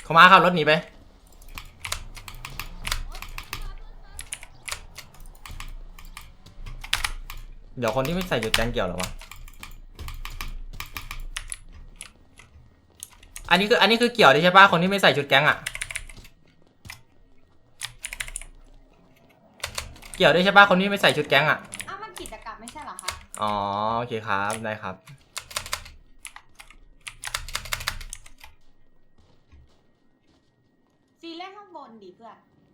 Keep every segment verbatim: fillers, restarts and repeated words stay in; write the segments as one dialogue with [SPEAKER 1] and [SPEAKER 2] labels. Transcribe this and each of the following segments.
[SPEAKER 1] เขามาขับรถหนีไปเดี๋ยวคนที่ไม่ใส่จุดแจ้งเกี่ยวหรอวะอันนี้คืออันนี้คือเกี่ยวได้ใช่ปะคนที่ไม่ใส่ชุดแก๊งอะเกี่ยวได้ใช่ปะคนที่ไม่ใส่ชุดแก๊งอะ
[SPEAKER 2] อ้าวมันกิจกรรมไม่ใช่เหรอคะ
[SPEAKER 1] อ๋อโอเคครับได้ครับ
[SPEAKER 2] ซีเล่นข้างบนดิเพื่อน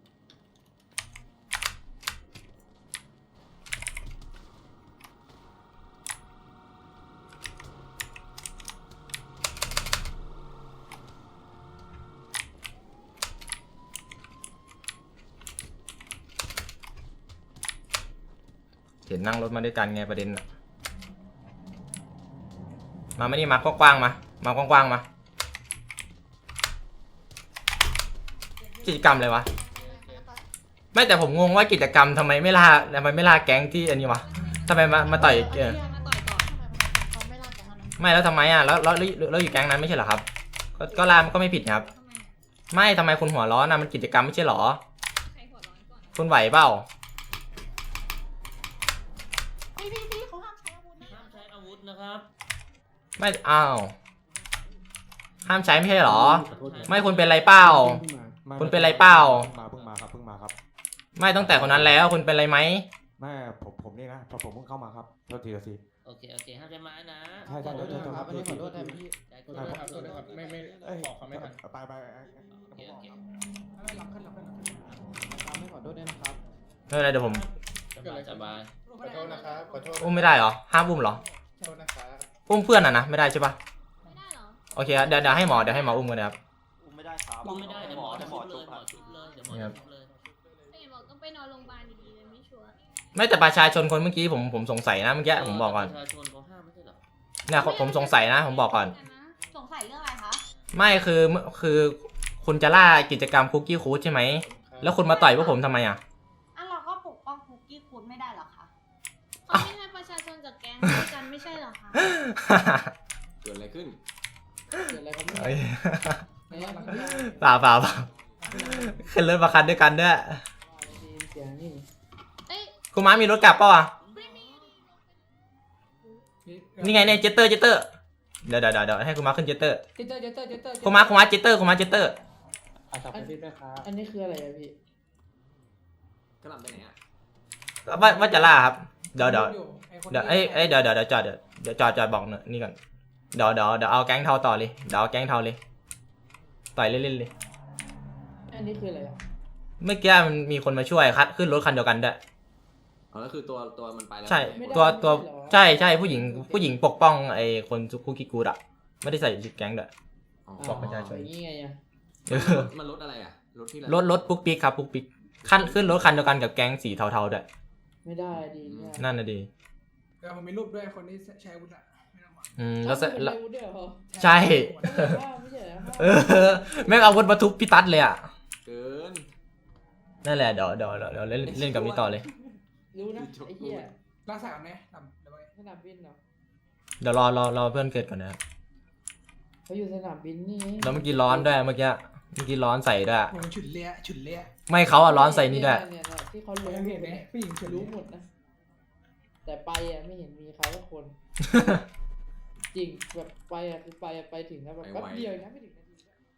[SPEAKER 1] เห็นนั่งรถมาด้วยกันไงประเด็นอะมาไม่นี่มากว้างๆมามากว้างๆมากิจกรรมเลยวะไม่แต่ผมงงว่ากิจกรรมทำไมไม่ล่าทำไมไม่ล่าแก๊งที่อันนี้วะทำไมมามาต่อยเออไม่แล้วทำไมอ่ะแล้วแล้วแล้วอยู่แก๊งนั้นไม่ใช่เหรอครับก็ก็ล่ามันก็ไม่ผิดครับไม่ทำไมคุณหัวร้อนนะมันกิจกรรมไม่ใช่เหรอคุณไหวเปล่า
[SPEAKER 2] พี่พี่พี่เขาห้ามใช้อาวุธนะ
[SPEAKER 3] ห้ามใช้อาวุธนะครับ
[SPEAKER 1] ไม่อ้าวห้ามใช้ไม่ใช่เหรอไม่คุณเป็นไรเปล่าคุณเป็นไรเปล่า
[SPEAKER 4] มาเพิ่งมาครับเพิ่งมาครับ
[SPEAKER 1] ไม่ตั้งแต่คนนั้นแล้วคุณเป็นไรไหม
[SPEAKER 4] ไม่ผมผมนี่นะพอผมเพิ่งเข้ามาครับโทษทีโทษที
[SPEAKER 3] โอเคโอเคห้ามใช้ไม้นะ
[SPEAKER 4] ใช่ใช่โทษทีครับ
[SPEAKER 5] อันนี้ขอโทษแทนพี่
[SPEAKER 3] ขอโทษครับขอโทษครับ
[SPEAKER 5] ไม่ไม่บอกเขาไม่ทัน
[SPEAKER 4] ไปไป
[SPEAKER 3] โอเคโอเค
[SPEAKER 5] ไม่รับขึ้นรับขึ้นไม่ขอโทษด้วยนะครับ
[SPEAKER 1] ไม่เป็นไรเดี๋ยวผม
[SPEAKER 3] สบายสบาย
[SPEAKER 5] ขอโทษนะครับขอโทษ
[SPEAKER 1] อุ้มไม่ได้เหรอห้ามอุ้มเหรอ
[SPEAKER 5] ขอโทษนะครับ
[SPEAKER 1] อุ้มเพื่อนอ่ะนะไม่ได้ใช่ปะ
[SPEAKER 2] ไม่ได้เหรอ
[SPEAKER 1] โอเคเดี๋ยวเดี๋ยวให้หมอเดี๋ยวให้หมออุ้มกันนะครับ
[SPEAKER 6] อุ้มไม่ได้ครับ
[SPEAKER 3] อุ้มไม่ได้เดี๋ยวหมอจะหมอชุบเลยหมอชุบเลยเดี๋ยวหมอชุบเลย
[SPEAKER 2] ไอ้บอกต้องไปนอนโรงพยาบาลดีๆเลยไม่ชัวร์
[SPEAKER 1] ไม่แต่ประชาชนคนเมื่อกี้ผมผมสงสัยนะเมื่อกี้ผมบอกก่อน
[SPEAKER 3] ประชาชนเขาห้ามไม่ใช่เหรอ
[SPEAKER 1] เนี่ยผมสงสัยนะผมบอกก่อน
[SPEAKER 2] สงสัยเรื่องอะไรคะ
[SPEAKER 1] ไม่คือคือคุณจะล่ากิจกรรมคุกกี้คูดใช่ไหมแล้วคุณมาต่อยพวกผมทำไมอ่ะ
[SPEAKER 2] อ่ะเราก็ปกป้องคุกกี้คูดไม่ได้หรอคะ
[SPEAKER 7] เขาไม่ให้ประชาชนกับแก๊งด้วยกันไม่ใช่เหรอคะ
[SPEAKER 6] เกิดอะไรขึ้น
[SPEAKER 5] เกิดอะไรครับ
[SPEAKER 1] เปล่าเปล่าเปล่าขึ้นรถมาคันด้วยกันด้วยคุณม้ามีรถกลับเปล่าอ่ะนี่ไงเนี่ยเจตเตอร์เจตเตอร์เดี๋ยวเดี๋ยวเดี๋ยวให้คุณม้าขึ้นเจตเตอร์
[SPEAKER 5] เจตเตอร์เจตเตอร์เจตเตอร์
[SPEAKER 1] คุณม้าคุณม้าเจตเตอร์คุณม้าเจตเตอร์
[SPEAKER 5] อันนี้คืออะไรอะพี่
[SPEAKER 6] กระหล่ำไปไหนอ่ะ
[SPEAKER 1] ว่าว่าจะล่าครับเดี๋ยวเดี๋ยวเดี๋ยวเอ้ยเอ้ยเดี๋ยวเดี๋ยวเดี๋ยวจอดเดี๋ยวเดี๋ยวจอดจอดบอกนี่ก่อนเดี๋ยวเดี๋ยวเดี๋ยวเอาแก๊งเทาต่อเลยเดี๋ยวเอาแก๊งเทาเลยต่อยเล่นๆเลย
[SPEAKER 5] อันนี้คืออะไรอ่ะ
[SPEAKER 1] เมื่อกี้มันมีคนมาช่วยคัดขึ้นรถคันเดียวกันด้วย
[SPEAKER 6] อ๋อก็คือตัวตัวมันไปแล้ว
[SPEAKER 1] ใช่ตัวตัวใช่ใช่ผู้หญิงผู้หญิงปกป้องไอ้คนคุกกี้กูดอะไม่ได้ใส่ชุดแก๊งด้วยบอกประชาชน
[SPEAKER 5] นี่ไงอ่ะ
[SPEAKER 6] มันรถอะไรอ่ะรถที่
[SPEAKER 1] รถรถปุ๊กปิ๊กครับปุ๊กปิ๊กขั้นขึ้นรถคันเดียวกันกับแก๊งสีเทาๆด้วย
[SPEAKER 5] ไม่ได้ดี
[SPEAKER 1] นั่นน่ะดี
[SPEAKER 5] แต่ผมมีรูปด้วยคนที่ใช้อาวุธอ่ะ
[SPEAKER 1] อืมแล้วแล้ว
[SPEAKER 5] ใช่
[SPEAKER 1] เออแม่งเอาอาวุธมาทุบพี่ตั๊ดเลยอ่ะ
[SPEAKER 6] เกิน
[SPEAKER 1] นั่นแหละเดี๋ยวเดี๋ยวเดี๋ยวเล่นเล่นกับนี้ต่อเลย
[SPEAKER 5] รู้นะไอ้เหี้ยรักษาไหมนำเดี๋ยวไปสนามบินเหรอ
[SPEAKER 1] เดี๋ยวรอรอรอเพื่อนเกิดก่อนนะครับ
[SPEAKER 5] เขาอยู่สนามบินนี่
[SPEAKER 1] แล้วเมื่อกี้ร้อนด้วยเมื่อกี้เมื่อกี้ร้อนใส่ด้วย
[SPEAKER 5] ฉุนเลี้ยฉุนเลี้ย
[SPEAKER 1] ไม่เขาอ่ะร้อนใส่นี่ด้วย
[SPEAKER 5] ที่เขารู้เห็นไหมผู้หญิงรู้หมดนะแต่ไปอ่ะไม่เห็นมีใครสักคนจริงแบบไปอ่ะคือไปไปถึงนะแบบแป๊บเดียวนะไม่ถึงนาที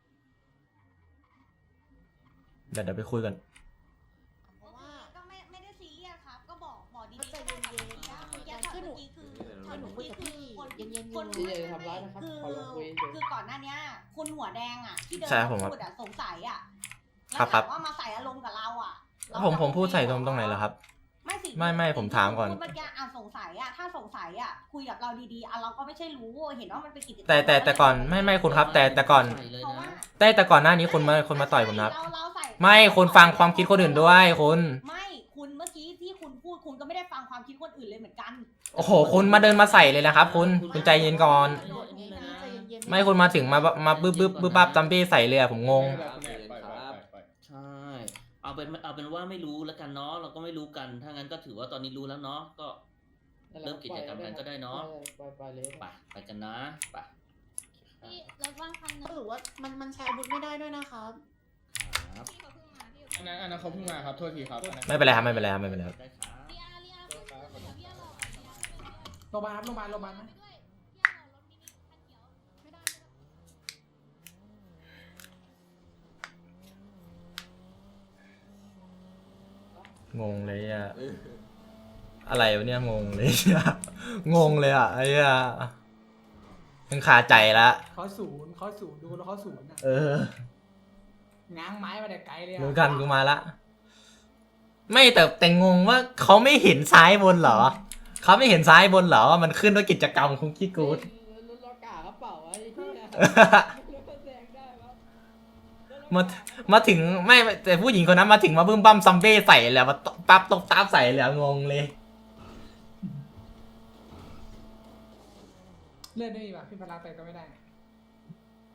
[SPEAKER 1] เดี๋ยวเดี๋ยวไปคุยกัน
[SPEAKER 2] เพราะว่าก็ไม่ไม่ได้ซีเรียสครับก็บอกบอกดีๆก็ได้ครับเมื่อกี้เมื่อกี้คือเมื่อกี้คือหนูคุยกับพี่คนเย็นๆคน
[SPEAKER 5] ไม่ได้ทำร้ายนะครับขอลงคุย
[SPEAKER 2] คือก่อนหน้านี้คุณหัวแดงอ่ะที่เดินพูดอ่ะสงสัยอ่ะ
[SPEAKER 1] แล้วถาม
[SPEAKER 2] ว่ามาใส่อารมณ์กับเราอ่ะ
[SPEAKER 1] ผมผมพูดใส่ตรงตรงไหนเหรอครับ
[SPEAKER 2] ไม่สิ
[SPEAKER 1] ไม่ไม่ผมถามก่อน
[SPEAKER 2] เมื่อกี้อ่ะสงสัยอ่ะถ้าสงสัยอ่ะคุยกับเราดีๆอ่ะเราก็ไม่ใช่รู้เห็นว่ามันเป็นกิจกรรม
[SPEAKER 1] แต่แต่แต่ก่อนไม่ไม่คุณครับแต่แต่ก่อนแต่แต่ก่อนหน้านี้คุณมาคนมาต่อยผมนะไม่คุณฟังความคิดคนอื่นด้วยคุณ
[SPEAKER 2] ไม่คุณเมื่อกี้ที่คุณพูดคุณก็ไม่ได้ฟังความคิดคนอื่นเลยเหมือนกัน
[SPEAKER 1] โอ้โหคุณมาเดินมาใส่เลยนะครับคุณคุณใจเย็นก่อนไม่คุณมาถึงมามาบึ้บบึ้บบึ้บปั๊บจัมปี้ใส่เลยผมงง
[SPEAKER 3] ใช่เอาเป็นเอาเป็นว่าไม่รู้แล้วกันเนาะเราก็ไม่รู้กันถ้างั้นก็ถือว่าตอนนี้รู้แล้วเนาะก็เริ่มกิจกรรมกันก็ได้เนาะ
[SPEAKER 5] ไปไปเลย
[SPEAKER 3] ไปไปกันนะไป
[SPEAKER 7] พี่รถว่างคันหนึง
[SPEAKER 2] หรือว่ามันมันใช้อาวุธไม่ได้ด้วยนะครับ
[SPEAKER 3] ครับ
[SPEAKER 7] พี่เขาเพิ่งมาพี่
[SPEAKER 8] อันนั้นอันนั้นเขาเพิ่งมาครับ โทษทีครับอันนั้น
[SPEAKER 1] ไม่เป็นไรครับไม่เป็นไรครับไม่เป็นไรครับ
[SPEAKER 3] ได้ครับ
[SPEAKER 7] เรียเรียขึ้นเดี๋ยวพี่รอ
[SPEAKER 5] โรงพยาบาลครับโรงพยาบาลโรงพยาบาลนะ
[SPEAKER 7] ด้วยพี่รอรถมินิคันเขียวไม่ได้ไม่ได้
[SPEAKER 1] งงเลยอ่ะ
[SPEAKER 6] เออ
[SPEAKER 1] อะไรวะเนี่ยงงเลยอะ งงเลยอ่ะไอ้เหี้ยยังคาใจละ
[SPEAKER 5] เขาศูนย์เขาศูนย์ดูแล้วเขาศูนย์อะ
[SPEAKER 1] เออ
[SPEAKER 5] ง้างไม้มาแต่ไกลเลยอะ
[SPEAKER 1] เหมือนกันกูมาละ ไม่แต่แต่งงว่าเขาไม่เห็นซ้ายบนเหรอเขาไม่เห็นซ้ายบนเหรอว่ามันขึ้นด้วยกิจกรรมคุกกี้กูด
[SPEAKER 5] รถรถกากระเป๋าไอ้เหี้ยรถแซงได้ปะ
[SPEAKER 1] มามาถึงไม่แต่ผู้หญิงคนนั้นมาถึงมาบึ้มบั้มซัมเบ้ใส่แล้วมาปั๊บตบตาใส่แล้วงงเลย
[SPEAKER 5] เลื่อนได้อีกป่ะพี่พลาไปก็ไม่ได้